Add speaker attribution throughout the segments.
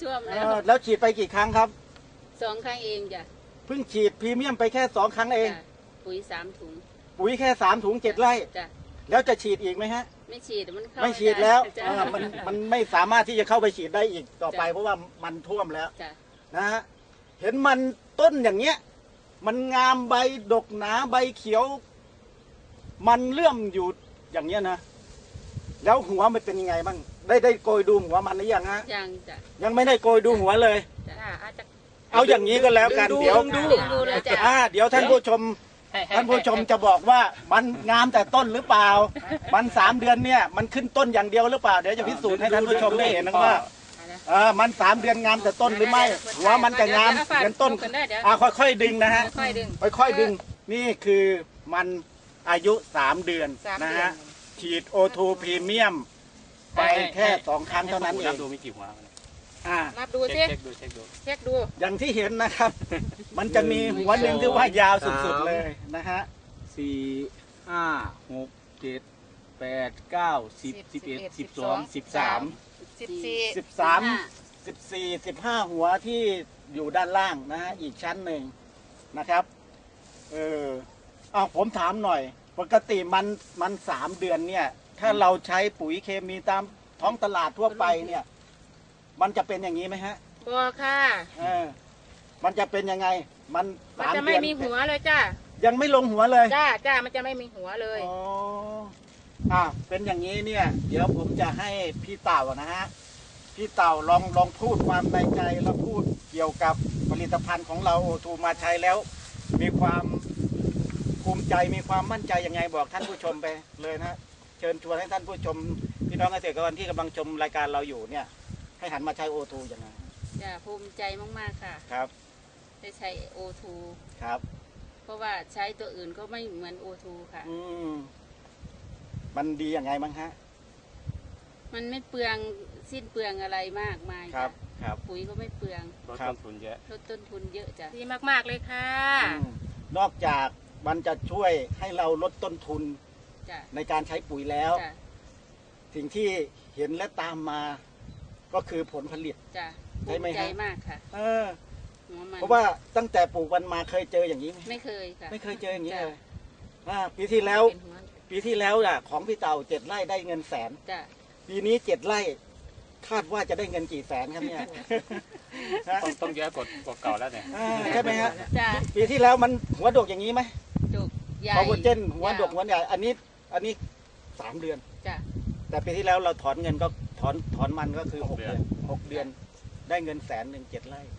Speaker 1: ท่วมแล้ว
Speaker 2: แล้วฉีดไปกี่ครั้งครับ
Speaker 1: 2 ครั้งเองจ้ะ
Speaker 2: เพิ่งฉีดพรีเมียมไปแค่2 ครั้งเอง
Speaker 1: ปุ๋ย3 ถุง
Speaker 2: ปุ๋ยแค่3 ถุง7 ไร่
Speaker 1: จ้ะ
Speaker 2: แล้วจะฉีดอีกไหมฮะ
Speaker 1: ไม่ฉีดมันเข้า
Speaker 2: ไม่ฉีดแล้วมันไม่สามารถที่จะเข้าไปฉีดได้อีกต่อไปเพราะว่ามันท่วมแล้วนะฮะเห็นมันต้นอย่างเงี้ยมันงามใบดกหนาใบเขียวมันเลื่อมอยู่อย่างเงี้ยนะแล้วหัวมันเป็นยังไงบ้างได้โกยดูหัวมันหรือยังฮะ
Speaker 1: ยังจ้ะ
Speaker 2: ยังไม่ได้โกยดูหัวเลย
Speaker 1: อาจจะ
Speaker 2: เอาอย่างนี้ก็แล้วกันเดี๋ยวท่านผู้ชมจะบอกว่ามันงามแต่ต้นหรือเปล่ามัน3 เดือนเนี่ยมันขึ้นต้นอย่างเดียวหรือเปล่าเดี๋ยวจะพิสูจน์ให้ท่านผู้ชมได้เห็นนะว่ามัน3 เดือนงามแต่ต้นหรือไม่หัวมันจะงามเหมือนต้นค่อยๆดึงนะฮะค่อยๆดึงนี่คือมันอายุ3 เดือนนะฮะฉีด O2 พรีเมียมไปแค่2 ครั้งเท่านั้นเอง
Speaker 3: ดูมีกี่หัว
Speaker 1: นับดูสิเช็คดู
Speaker 2: อย่างที่เห็นนะครับ มันจะมีหัวหนึ่งที่ว่ายาวสุดๆเลยนะฮะ
Speaker 3: 4 5 6 7 8 9 10 11 12 13
Speaker 2: 14 15 หัวที่อยู่ด้านล่างนะฮะอีกชั้นหนึ่งนะครับผมถามหน่อยปกติมัน3 เดือนเนี่ยถ้าเราใช้ปุ๋ยเคมีตามท้องตลาดทั่วไปเนี่ยมันจะเป็นอย่างนี้ไหมฮะ
Speaker 1: บ่ค่ะ
Speaker 2: มันจะเป็นยังไงมัน
Speaker 1: จะไม่มีหัวเลยจ้า
Speaker 2: ยังไม่ลงหัวเลย
Speaker 1: จ้ามันจะไม่มีหัวเลย
Speaker 2: เป็นอย่างนี้เนี่ยเดี๋ยวผมจะให้พี่เต่านะฮะพี่เต่าลองพูดความในใจแล้วพูดเกี่ยวกับผลิตภัณฑ์ของเราO2มาใช้แล้วมีความภูมิใจมีความมั่นใจยังไงบอกท่านผู้ชมไปเลยนะเชิญชวนให้ท่านผู้ชมพี่น้องเกษตรกรที่กำลังชมรายการเราอยู่เนี่ยให้หันมาใช้O2อย่างไร
Speaker 1: ภูมิใจมากๆค่ะ
Speaker 2: ครับ
Speaker 1: ได้ใช้O2
Speaker 2: ครับ
Speaker 1: เพราะว่าใช้ตัวอื่นก็ไม่เหมือนO2ค่ะ
Speaker 2: มันดีอย่างไรบ้างฮะ
Speaker 1: มันไม่เปลืองสิ้นเปลืองอะไรมากมาย
Speaker 2: ครับ
Speaker 1: ปุ๋ยก็ไม่เปลือง
Speaker 3: ลดต้นทุนเยอะ
Speaker 1: จ้ะดีมากๆเลยค่ะ
Speaker 2: นอกจากมันจะช่วยให้เราลดต้นทุนในการใช้ปุ๋ยแล้วสิ่งที่เห็นและตามมาก็คือผลผลิต
Speaker 1: ใช่ไหมฮะมากค่ะ
Speaker 2: เพราะว่าตั้งแต่ปลูกมันมาเคยเจออย่างนี้ไหม
Speaker 1: ไม่เคยค่ะ
Speaker 2: ไม่เคยเจออย่างนี้เลยปีที่แล้วของพี่เต่า7 ไร่ได้เงิน100,000ปีนี้7 ไร่คาดว่าจะได้เงินกี่แสนครับเนี่ย
Speaker 3: ต้องเยอะกว่าเก่าแล้วเนี่ย
Speaker 2: ใช่ไหมฮะปีที่แล้วมันหัวดกอย่างนี้ไหม
Speaker 1: ดกใหญ่
Speaker 2: พอหัวเจนหัวดกหัวใหญ่อันนี้3 เดือนแต่ปีที่แล้วเราถอนเงินก็ถอนมันก็คือ6 เดือนได้เงิน100,000 7 ไร่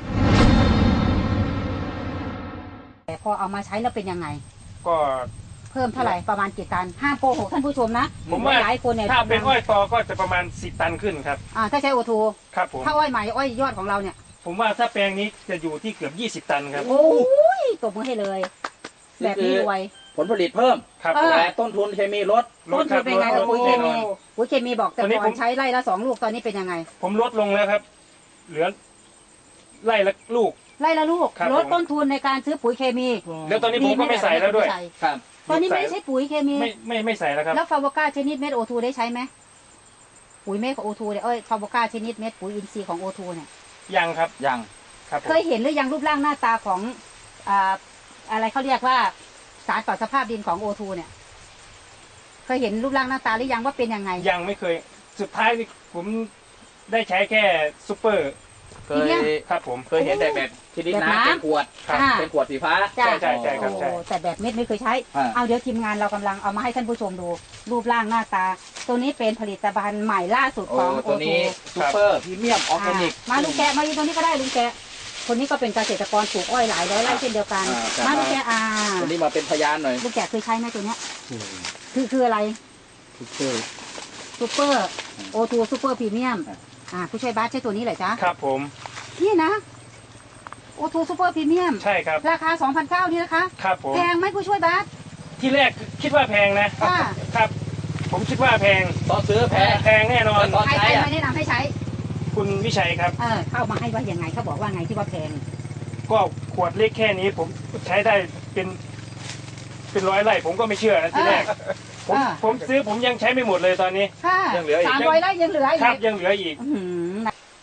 Speaker 4: แต่พอเอามาใช้แล้วเป็นยังไง
Speaker 5: ก็
Speaker 4: เพิ่มเท่าไหร่ประมาณกี่ตันห้ามโกหกท่านผู้ชมนะ
Speaker 5: ผมว่า
Speaker 4: หลายคนเนี่ย
Speaker 5: ถ้าเป็นอ้อยตอก็จะประมาณ10 ตันขึ้นครับ
Speaker 4: ถ้าใช้O2
Speaker 5: ครับผม
Speaker 4: ถ้าอ้อยใหม่อ้อยยอดของเราเนี่ย
Speaker 5: ผมว่าถ้าแปลงนี้จะอยู่ที่เกือบ20 ตันครับ
Speaker 4: โอ้ยตบมือให้เลยแบบนี้รวย
Speaker 6: ผลผลิตเพิ่มแต่ต้นทุนเคมีลด
Speaker 4: ต้นทุนเป็นไงกับปุ๋ยเคมีปุ๋ยเคมีบอกแต่ก่อนใช้ไร่ละ2 ลูกตอนนี้เป็นยังไง
Speaker 5: ผมลดลงแล้วครับเหลือไร่ละลูก
Speaker 4: ลดต้นทุนในการซื้อปุ๋ยเคมี
Speaker 5: แล้วตอนนี้ผมก็ไม่ใส่แล้วด้วย
Speaker 6: ครับ
Speaker 4: ตอนนี้ไม่ได้ใช้ปุ๋ยเคมี
Speaker 5: ไม่ใส่แล้วครับ
Speaker 4: แล้วฟาโวก้าชนิดเม็ดO2ได้ใช้ไหมปุ๋ยเม็ดของO2เนี่ยฟาโวก้าชนิดเม็ดปุ๋ยอินทรีย์ของO2เนี่ย
Speaker 5: ยังครับ
Speaker 6: ยัง
Speaker 5: ครับ
Speaker 4: เคยเห็นหรือยังรูปร่างหน้าตาของอะไรเขาเรียกว่าสารต่อสภาพดินของO2เนี่ยเคยเห็นรูปร่างหน้าตาหรือยังว่าเป็นยังไง
Speaker 5: ยังไม่เคยสุดท้ายนี่ผมได้ใช้แค่ซุปเปอร์ครับผม
Speaker 6: เคยเห็นแต่แบบชนิดน้ำเป็นขวดสีฟ้า
Speaker 5: ใช่ครับใช่
Speaker 4: แต่แบบเม็ดไม่เคยใช้เอาเดี๋ยวทีมงานเรากำลังเอามาให้ท่านผู้ชมดูรูปร่างหน้าตาตัวนี้เป็นผลิตภัณฑ์ใหม่ล่าสุดของ
Speaker 6: ตัวนี้ซุปเปอร์พรีเมียมออร์แกนิก
Speaker 4: มาลุงแกมาอยู่ตรงนี้ก็ได้ลุงแกคนนี้ก็เป็นเกษตรกรปลูกอ้อยหลายร้อยไร่เช่นเดียวกันมาลุงแก
Speaker 6: ตัวนี้มาเป็นพยานหน่อย
Speaker 4: ลุงแกเคยใช้ไหมตัวเนี้ยคืออะไร
Speaker 6: ซุปเปอร์
Speaker 4: O2ซุปเปอร์พรีเมียมผู้ช่วยบาสใช้ตัวนี้เหรอจ๊ะ
Speaker 5: ครับผม
Speaker 4: นี่นะO2ซุปเปอร์พรีเมียม
Speaker 5: ใช่ครับ
Speaker 4: ราคา 2,900 นี่นะคะ
Speaker 5: ครับผม
Speaker 4: แพงไหมผู้ช่วยบาส
Speaker 5: ที่แรกคิดว่าแพงนะครับผมคิดว่าแพง
Speaker 6: ตอนซื้อแพง
Speaker 5: แน่นอน
Speaker 4: ใครมาแนะนำให้ใช้
Speaker 5: คุณวิชัยครับ
Speaker 4: เข้ามาให้ว่ายังไงเขาบอกว่าไงที่ว่าแพง
Speaker 5: ก็ขวดเล็กแค่นี้ผมใช้ได้เป็น100 ไร่ผมก็ไม่เชื่อนะทีแรกผมซื้อผมยังใช้ไม่หมดเลยตอนนี้
Speaker 4: ยังเหลืออีก300 ไร่ยังเหลืออีก
Speaker 5: ครับยังเหลืออีก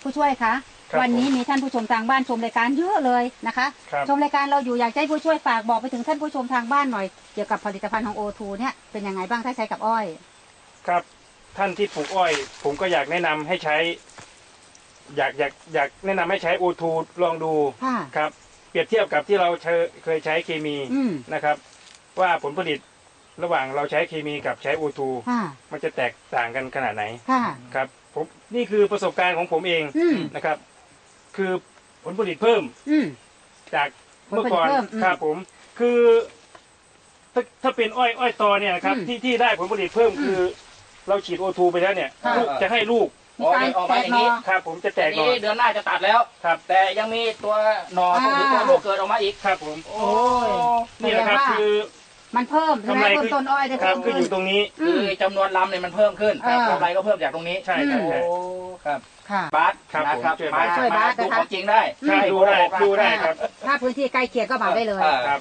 Speaker 4: ผู้ช่วยคะ
Speaker 5: ครับ
Speaker 4: วันนี้มีท่านผู้ชมทางบ้านชมรายการเยอะเลยนะคะ
Speaker 5: ครับ
Speaker 4: ชมรายการเราอยู่อยากให้ผู้ช่วยฝากบอกไปถึงท่านผู้ชมทางบ้านหน่อยเกี่ยวกับผลิตภัณฑ์ของ O2 เนี่ยเป็นยังไงบ้างถ้าใช้กับอ้อย
Speaker 5: ครับท่านที่ปลูกอ้อย ผมก็อยากแนะนำให้ใช้ อยากแนะนำให้ใช้ O2 ลองดู
Speaker 4: ค่ะ
Speaker 5: ครับ เปรียบเทียบกับที่เราเคยใช้เคมี
Speaker 4: อืม
Speaker 5: นะครับ ว่าผลผลิตระหว่างเราใช้เคมีกับใช้ O2
Speaker 4: ค่ะ
Speaker 5: มันจะแตกต่างกันขนาดไหน
Speaker 4: ค่ะ
Speaker 5: ครับผมนี่คือประสบการณ์ของผมเอง
Speaker 4: อืม
Speaker 5: นะครับ คือผลผลิตเพิ่ม
Speaker 4: อืม
Speaker 5: จากเมื่อก่อน
Speaker 4: ผลผลิตเพิ่มอืม
Speaker 5: ครับผมคือถ้าเป็นอ้อยตอเนี่ยนะครับ
Speaker 4: อืม
Speaker 5: ที่ได้ผลผลิตเพิ่มคือเราฉีด O2 ไปแล้วเนี่ย
Speaker 4: ค่ะ
Speaker 5: ลูกจะให้ลูก
Speaker 4: มีการ
Speaker 6: ออกมา
Speaker 4: แต
Speaker 6: อก ย่าง
Speaker 4: หน
Speaker 6: นี้
Speaker 4: อ
Speaker 5: ครับ ผมจะแต
Speaker 6: แต่
Speaker 5: กหน่อ
Speaker 6: นี้เดือนหน้าจะตัดแล้ว
Speaker 5: ครับ
Speaker 6: แต่ยังมีตัวหนอตรงนี้ตัวลูกเกิดออกมาอีก
Speaker 5: ครับผม
Speaker 6: โอ้
Speaker 5: นี่แหละครับ
Speaker 4: แสดงว่า
Speaker 5: คือ
Speaker 4: มันเพิ่มใช่ไหม
Speaker 5: กำไร
Speaker 4: เพิ่มต้นอ้อยได้
Speaker 5: ครั
Speaker 4: เพิ่
Speaker 5: บ
Speaker 4: ม
Speaker 5: คืออยู่ตรงนี้
Speaker 4: อื
Speaker 6: คือ
Speaker 4: ม
Speaker 6: จำนวนลำเนี่ยมันเพิ่มขึ้น
Speaker 4: อ่า
Speaker 6: กำไรก็เพิ่มจากตรงนี้
Speaker 5: ใช่ครับ
Speaker 6: โอ้
Speaker 5: ใช่
Speaker 6: ครับ
Speaker 4: ค่ะ
Speaker 6: บาส
Speaker 5: ครับ
Speaker 6: นะครับ
Speaker 5: ผมช่วย
Speaker 6: มา
Speaker 5: บาส
Speaker 4: ช่วยบาส
Speaker 6: ดู
Speaker 4: นะคะ
Speaker 6: ของจริงได้
Speaker 5: ครับ
Speaker 6: ให้
Speaker 5: ดูได้
Speaker 6: โกหก
Speaker 5: ดูได้ครับ
Speaker 4: ถ้าพื้นที่ใกล้เคียงก็มาได้เลย
Speaker 5: ครับ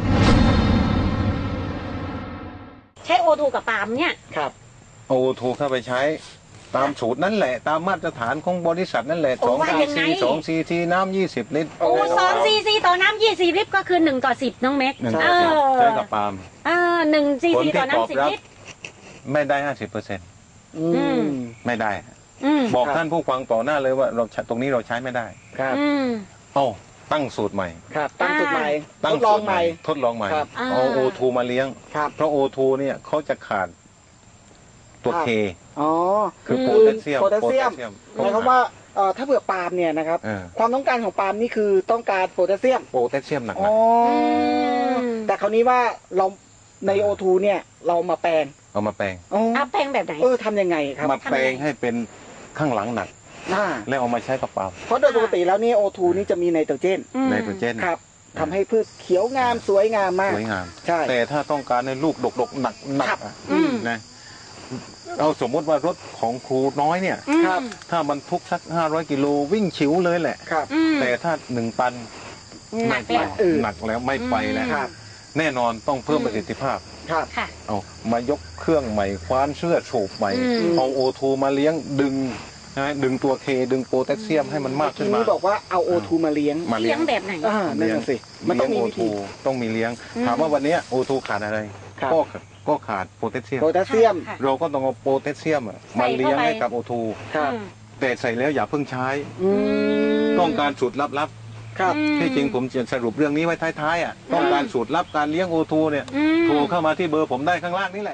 Speaker 7: ใช้ O2 กับปาล์มเนี่ย
Speaker 2: ครับ
Speaker 8: โอ้ถูกเข้าไปใช้ตามสูตรนั่นแหละ ตามมาตรฐานของบริษัทนั่นแหละ
Speaker 7: โอ้ว่ายังไง
Speaker 8: 2 cc น้ำ20 ลิตร
Speaker 7: โอ้2 cc ต่อน้ำ20 ลิตรก็คือ1 ต่อ 10 น้องเม็ก
Speaker 8: หนึ่ง
Speaker 7: เอ
Speaker 8: ต่อสิบ
Speaker 7: อ
Speaker 8: ใช้กับปาล์ม
Speaker 7: 1 cc
Speaker 8: ผลที่
Speaker 7: ต่อ
Speaker 8: ตอบ
Speaker 7: น้ำ
Speaker 8: รับ
Speaker 7: 10 ลิตร
Speaker 8: ไม่ได้ 50%
Speaker 4: อืม
Speaker 8: ไม่ได้
Speaker 7: อืม
Speaker 8: บอก
Speaker 2: ครับ
Speaker 8: ท่านผู้ฟังต่อหน้าเลยว่าตรงนี้เราใช้ไม่ได้
Speaker 2: ครับ
Speaker 7: อืม
Speaker 8: เอ้าตั้งสูตรใหม่
Speaker 2: ครับตั้งจุดใหม่ท
Speaker 8: ตั้ง
Speaker 2: ดลอง
Speaker 8: สูตร
Speaker 2: ใหม่
Speaker 8: ทดลองใหม่
Speaker 2: ครับ
Speaker 8: เอาโอทูมาเลี้ยง
Speaker 2: ครับ
Speaker 8: เพราะโอทูเนี่ยเขาจะขาดตัว
Speaker 2: ครับ
Speaker 8: เค
Speaker 2: อ๋อ
Speaker 8: คือโพ
Speaker 2: คือ
Speaker 8: แทสเซียม
Speaker 2: โพแทสเซียมหมายความว่าถ้าเผื่อปาล์มเนี่ยนะครับ
Speaker 8: เออ
Speaker 2: ความต้องการของปาล์มนี่คือต้องการโพแทสเซียม
Speaker 8: โพแทสเซียมหนัก
Speaker 2: อ๋อแต่คราวนี้ว่าเราใน O2 เนี่ยเรามาแปลง
Speaker 8: ๆเอามาแปลง
Speaker 2: อ๋อ
Speaker 7: เอาแปลงแบบไหน
Speaker 2: ทำยังไงครับ
Speaker 8: มาแปลงให้เป็นข้างหลังหนัก
Speaker 2: อ่า
Speaker 8: แล้วเอามาใช้กับปาล์ม
Speaker 2: เพราะโดยปกติแล้วนี่ O2 นี่จะมีไนโตรเจน
Speaker 8: ไนโตรเจน
Speaker 2: ครับทำให้พืชเขียวงามสวยงามมาก
Speaker 8: สวยงาม
Speaker 2: ใช่
Speaker 8: แต่ถ้าต้องการในลูกดกๆหนัก
Speaker 2: ครับ
Speaker 8: ๆอะ
Speaker 7: อืม
Speaker 8: นะเอาสมมติว่ารถของครูน้อยเนี่ย
Speaker 2: ครับ
Speaker 8: ถ้าบรรทุกสัก500 กิโลวิ่งฉิวเลยแหละ
Speaker 2: ครับ
Speaker 7: อืม
Speaker 8: แต่ถ้า1 ตัน
Speaker 7: หนัก
Speaker 8: ไม่
Speaker 7: แล้ว
Speaker 8: ไปหนักแล้วไม่ไปแล้ว
Speaker 2: ครับ
Speaker 8: แน่นอนต้องเพิ่มประสิทธิภาพ
Speaker 2: ครับ
Speaker 7: ค่ะ
Speaker 8: เอามายกเครื่องใหม่คว้านเสื้อโฉบใหม่
Speaker 7: อืม
Speaker 8: เอาโอทูมาเลี้ยงดึงตัวเคดึงโพแทสเซียมให้มันมาก
Speaker 2: ที
Speaker 8: ขึ้นมา
Speaker 2: นี้บอกว่าเอา O2 มาเลี้ยง
Speaker 8: มา
Speaker 7: เลี้
Speaker 8: เลี้
Speaker 7: ย
Speaker 8: ย
Speaker 7: ง
Speaker 8: ง
Speaker 7: แบบไหน
Speaker 2: นั่นน่ะสิมันต้องมีวิธี
Speaker 8: ต้องมีเลี้ยง
Speaker 7: อืม
Speaker 8: ถามว่าวันเนี้โอทูขาดอะไร
Speaker 2: ครับ
Speaker 8: ก็ขาดโพแทสเซียม
Speaker 2: โพแทสเซียม
Speaker 7: ค่ะ
Speaker 8: เราก็ต้องเอาโพแทสเซียมอะ
Speaker 7: ใส่
Speaker 8: มาเลี้ยง
Speaker 7: เข้าไป
Speaker 8: ให้กับโอทู
Speaker 2: ครับ
Speaker 7: อืม
Speaker 8: แต่ใส่แล้วอย่าเพิ่งใช้
Speaker 2: อืม
Speaker 8: ต้องการสูตรลับ
Speaker 2: ครับ
Speaker 8: ๆที่จริงผมจะสรุปเรื่องนี้ไว้ท้ายๆอ่ะต้องการสูตรลับการเลี้ยงโอทูเนี่ย
Speaker 7: อืม
Speaker 8: โทรเข้ามาที่เบอร์ผมได้ข้างล่างนี่แหละ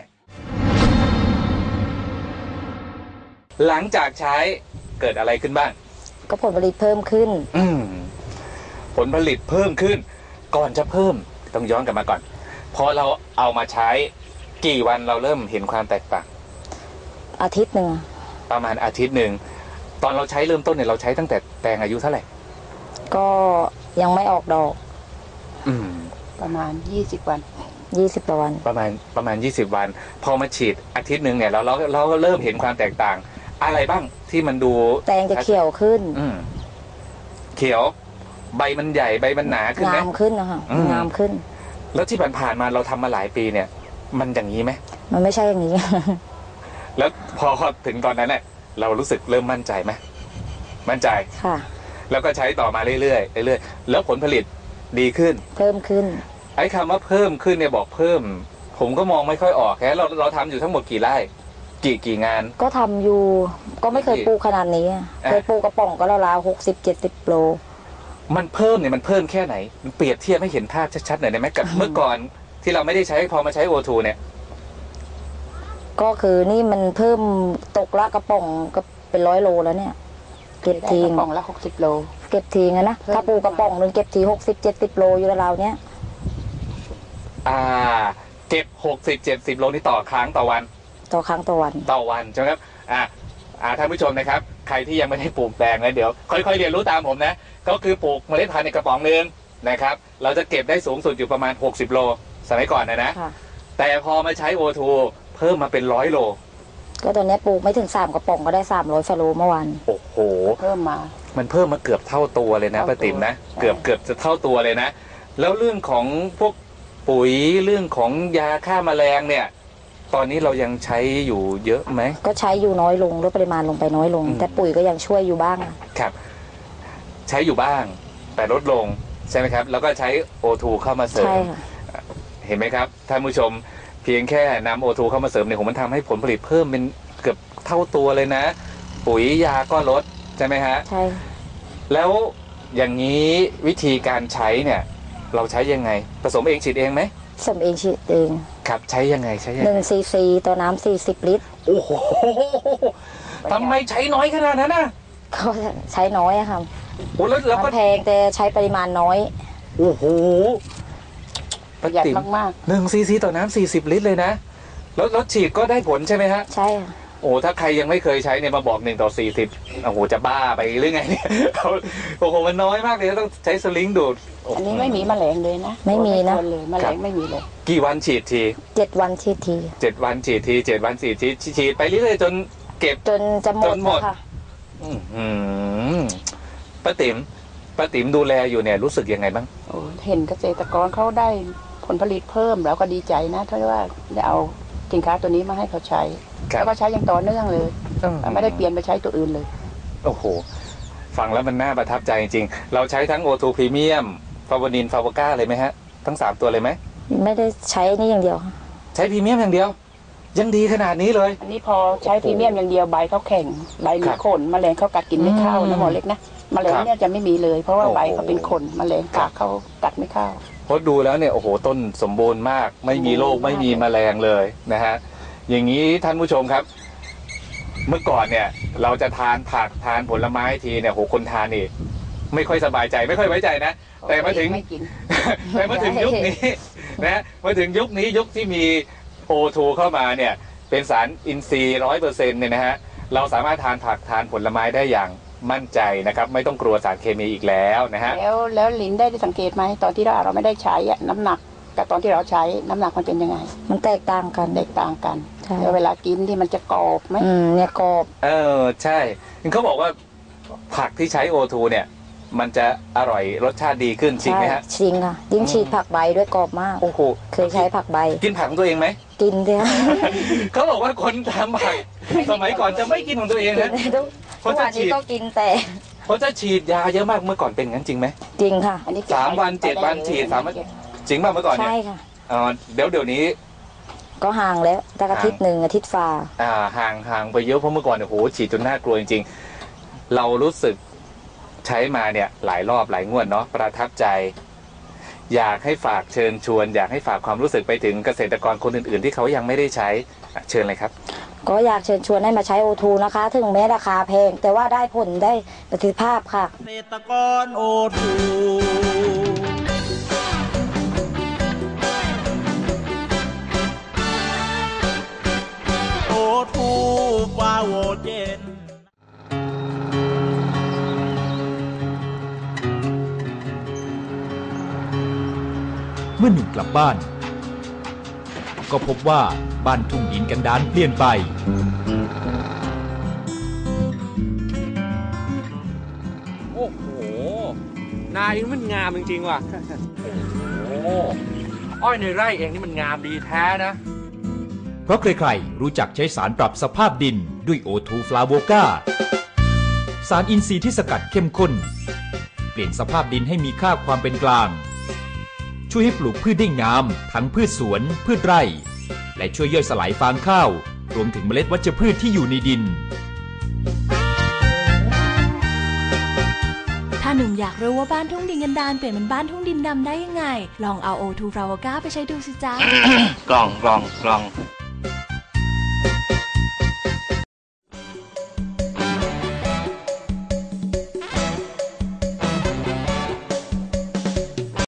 Speaker 9: หลังจากใช้เกิดอะไรขึ้นบ้าง
Speaker 10: ก็ผลผลิตเพิ่มขึ้น
Speaker 9: ผลผลิตเพิ่มขึ้น ก่อนจะเพิ่มต้องย้อนกลับมาก่อน พอเราเอามาใช้กี่วันเราเริ่มเห็นความแตกต่าง
Speaker 10: อาทิตย์หนึ่ง
Speaker 9: ประมาณอาทิตย์หนึ่งตอนเราใช้เริ่มต้นเนี่ยเราใช้ตั้งแต่แตงอายุเท่าไหร่
Speaker 10: ก็ยังไม่ออกดอก
Speaker 4: ประมาณ20 วัน
Speaker 10: 20กว่าวัน
Speaker 9: ประมาณ20 วัน พอมาฉีดอาทิตย์หนึ่งเนี่ยเราก็เริ่มเห็นความแตกต่าง อะไรบ้างที่มันดู
Speaker 10: แตงจะเขียวขึ้น
Speaker 9: เขียวใบมันใหญ่ใบมันหนาขึ้นไหม
Speaker 10: งามขึ้นนะคะ
Speaker 9: อืม
Speaker 10: งามขึ้น
Speaker 9: แล้วที่ผ่านๆมาเราทำมาหลายปีเนี่ย มันอย่างนี้ไหม
Speaker 10: มันไม่ใช่อย่างนี้
Speaker 9: แล้วพอถึงตอนนั้นเนี่ยเรารู้สึกเริ่มมั่นใจไหมมั่นใจ
Speaker 10: ค่ะ
Speaker 9: แล้วก็ใช้ต่อมาเรื่อยๆเรื่อยๆแล้วผลผลิตดีขึ้น
Speaker 10: เพิ่มขึ้น
Speaker 9: ไอ้คำว่าเพิ่มขึ้นเนี่ยบอกเพิ่ม ผมก็มองไม่ค่อยออกแค่เราทำอยู่ทั้งหมดกี่ไร่กี่งาน
Speaker 10: ก็ทำอยู่ ก็ไม่เคยปลูกขนาดนี้ เคยปลูกกระป๋องก็ราวๆ60-70 โล
Speaker 9: มันเพิ่มเนี่ยมันเพิ่มแค่ไหนมันเปรียบเทียบให้เห็นภาพชัดๆหน่อยได้ไหมกับเมื่อก่อนที่เราไม่ได้ใช้พอมาใช้โอทูเนี่ย
Speaker 10: ก็คือนี่มันเพิ่มตกละกระป๋องก็เป็น100 โลแล้วเนี่ย เก็บทิ้ง
Speaker 4: กระป๋องละ60 โล
Speaker 10: เก็บทิ้งนะ
Speaker 4: เพิ่ม
Speaker 10: ถ้าปลูกกระป๋องนึงเก็บที60-70 โลอยู่ราวๆเนี้ย
Speaker 9: เก็บ60-70 โลนี่ต่อครั้งต่อวัน
Speaker 10: ต่อครั้งต่อวัน
Speaker 9: ต่อวันใช่ไหมครับท่านผู้ชมนะครับใครที่ยังไม่ได้ปลูกแตงนะเดี๋ยวค่อยๆเรียนรู้ตามผมนะก็คือปลูกเมล็ดพันธุ์ในกระป๋องนึงนะครับเราจะเก็บได้สูงสุดอยู่ประมาณ60 โลสมัยก่อนนะ
Speaker 10: ค่ะ
Speaker 9: แต่พอมาใช้โอทูเพิ่มมาเป็น100 โล
Speaker 10: ก็ตอนนี้ปลูกไม่ถึง3 กระป๋องก็ได้300 ฟาโลเมื่อวาน
Speaker 9: โอ้โห
Speaker 4: เพิ่มมา
Speaker 9: มันเพิ่มมาเกือบเท่าตัวเลยนะ
Speaker 4: เท่าตัว
Speaker 9: ป้าติ๋มนะ
Speaker 4: ใช่
Speaker 9: เกือบจะเท่าตัวเลยนะแล้วเรื่องของพวกปุ๋ยเรื่องของยาฆ่าแมลงเนี่ยตอนนี้เรายังใช้อยู่เยอะไหม
Speaker 10: ก็ใช้อยู่น้อยลงลดปริมาณลงไปน้อยลงแต่ปุ๋ยก็ยังช่วยอยู่บ้าง
Speaker 9: ครับใช้อยู่บ้างแต่ลดลงใช่ไหมครับแล้วก็ใช้ O2 เข้ามาเสริมเห็นไหมครับท่านผู้ชมเพียงแค่นำ O2 เข้ามาเสริมเนี่ยมันทำให้ผลผลิตเพิ่มเป็นเกือบเท่าตัวเลยนะปุ๋ยยาก็ลดใช่ไหมฮะ
Speaker 10: ใช่
Speaker 9: แล้วอย่างนี้วิธีการใช้เนี่ยเราใช้ยังไงผสมเองฉีดเองไหม
Speaker 10: ผสมเองฉีดเอง
Speaker 9: ครับใช้ยังไง
Speaker 10: 1 cc ต่อน้ำ40 ลิตร
Speaker 9: โอ้โหทำไมใช้น้อยขนาดนั้นนะ
Speaker 10: ก็ใช้น้อยอะค่ะ
Speaker 9: โอ้แล้วก็
Speaker 10: แพงแต่ใช้ปริมาณน้อย
Speaker 9: โอ้โห
Speaker 4: ประหยัดมาก
Speaker 9: ๆ1 cc ต่อน้ำ40 ลิตรเลยนะแล้วฉีดก็ได้ผลใช่ไหมฮะ
Speaker 10: ใช่ค่ะ
Speaker 9: โอ้ถ้าใครยังไม่เคยใช้เนี่ยมาบอก1 ต่อ 40โอ้โหจะบ้าไปหรือไงเนี่ยโอ้โหมันน้อยมากเลยต้องใช้สลิงดูด
Speaker 4: อันนี้ไม่มีแมลงเลยนะ
Speaker 10: ไม่มีนะ
Speaker 4: แมลงไม่มีเลย
Speaker 9: กี่วันฉีดที
Speaker 10: 7 วันฉีดที
Speaker 9: 7 วันฉีดที7 วันฉีดทีฉีดไปเรื่อยๆจนเก็บ
Speaker 10: จนจะหมดค่ะ
Speaker 9: ป้าติ๋มดูแลอยู่เนี่ยรู้สึกยังไงบ้าง
Speaker 4: โอ้เห็นเกษตรกรเขาได้ผลผลิตเพิ่มแล้วก็ดีใจนะที่ว่าได้เอาสินค้าตัวนี้มาให้เขาใช้แล้วก็ใช้อย่างต่อเนื่องเลยไม่ได้เปลี่ยนไปใช้ตัวอื่นเลย
Speaker 9: โอ้โหฟังแล้วมันน่าประทับใจจริงๆเราใช้ทั้ง O2 Premium ฟาวานินฟาวก้าเลยไหมฮะทั้ง3ตัวเลยไหม
Speaker 10: ไม่ได้ใช้นี่อย่างเดียว
Speaker 9: ใช้พรีเมียมอย่างเดียวยังดีขนาดนี้เลย
Speaker 4: อันนี้พอใช้พรีเมียมอย่างเดียวใบเขาแข็งใบมีขนแมลงเขากัดกินไม่เข้านะหมอเล็กนะแมลงเนี่ยจะไม่มีเลยเพราะว่าใบเขาเป็นขนแมลงกัดเขากัดไม่เข้า
Speaker 9: เพราะดูแล้วเนี่ยโอ้โหต้นสมบูรณ์มากไม่มีโรคไม่มีแมลงเลยนะฮะอย่างนี้ท่านผู้ชมครับเมื่อก่อนเนี่ยเราจะทานผักทานผลไม้ทีเนี่ยโหคนทานนี่ไม่ค่อยสบายใจไม่ค่อยไว้ใจนะแต่มาถึงยุคนี้นะมาถึงยุคนี้ยุคที่มี O2 เข้ามาเนี่ยเป็นสารอินทรีย์ 100% เนี่ยนะฮะเราสามารถทานผักทานผลไม้ได้อย่างมั่นใจนะครับไม่ต้องกลัวสารเคมีอีกแล้วนะฮะ
Speaker 4: แล้วลินได้สังเกตไหมตอนที่เราไม่ได้ใช้น้ำหนักกับตอนที่เราใช้น้ำหนักมันเป็นยังไง
Speaker 10: มันแตกต่างกัน
Speaker 4: เวลากินที่มันจะกรอบไหม
Speaker 10: เนี่ยกรอบ
Speaker 9: ใช่เขาบอกว่าผักที่ใช้ O2 เนี่ยมันจะอร่อยรสชาติดีขึ้นจริงไหมฮะ
Speaker 10: จริงค่ะยิ่งฉีดผักใบด้วยกรอบมาก
Speaker 9: โอ้โห
Speaker 10: เคยใช้ผักใบ
Speaker 9: กินผักของตัวเองไหม
Speaker 10: กินเลย
Speaker 9: เขาบอกว่าคนทำผักสมัยก่อนจะไม่กินของตัวเองนะ
Speaker 10: เพราะว่านี้ก็กินแต่
Speaker 9: เขาจะฉีดยาเยอะมากเมื่อก่อนเป็นงั้นจริงไหม
Speaker 10: จริงค่ะ
Speaker 9: 3 วัน 7 วันฉีด3 วันจริงมากเมื่อก่อนเนี่ย
Speaker 10: ใช่ค่ะ
Speaker 9: เดี๋ยวนี้
Speaker 10: ก็ห่างแล้วแต่อาทิตย์1 อาทิตย์ฝ่า
Speaker 9: ห่างไปเยอะเพราะเมื่อก่อนเนี่ยโหฉีดจนน่ากลัวจริงๆเรารู้สึกใช้มาเนี่ยหลายรอบหลายงวดเนาะประทับใจอยากให้ฝากเชิญชวนอยากให้ฝากความรู้สึกไปถึงเกษตรกรคนอื่นๆที่เขายังไม่ได้ใช้เชิญเลยครับ
Speaker 10: ก็อยากเชิญชวนให้มาใช้ O2 นะคะถึงแม้ราคาแพงแต่ว่าได้ผลได้ประสิทธิภาพค่ะ
Speaker 2: เกษตรกร O2ฟาโวเจน
Speaker 11: เมื่อหนุ่มกลับบ้านก็พบว่าบ้านทุ่งหินกันดารเปลี่ยนไป
Speaker 3: โอ้โหนาเองมันงามจริงๆว่ะโอ้โหอ้อยในไร่เองนี่มันงามดีแท้นะ
Speaker 11: เพราะใครๆรู้จักใช้สารปรับสภาพดินด้วย O2 Flavoka สารอินทรีย์ที่สกัดเข้มข้นเปลี่ยนสภาพดินให้มีค่าความเป็นกลางช่วยให้ปลูกพืชได้งามทั้งพืชสวนพืชไร่และช่วยย่อยสลายฟางข้าวรวมถึงเมล็ดวัชพืชที่อยู่ในดิน
Speaker 12: ถ้าหนุ่มอยากรู้ว่าบ้านทุ่งดินกันดารเปลี่ยนเป็นบ้านทุ่งดินดำได้ยังไงลองเอา O2 Flavoka ไปใช้ดูสิจ๊ะ
Speaker 9: กล่อง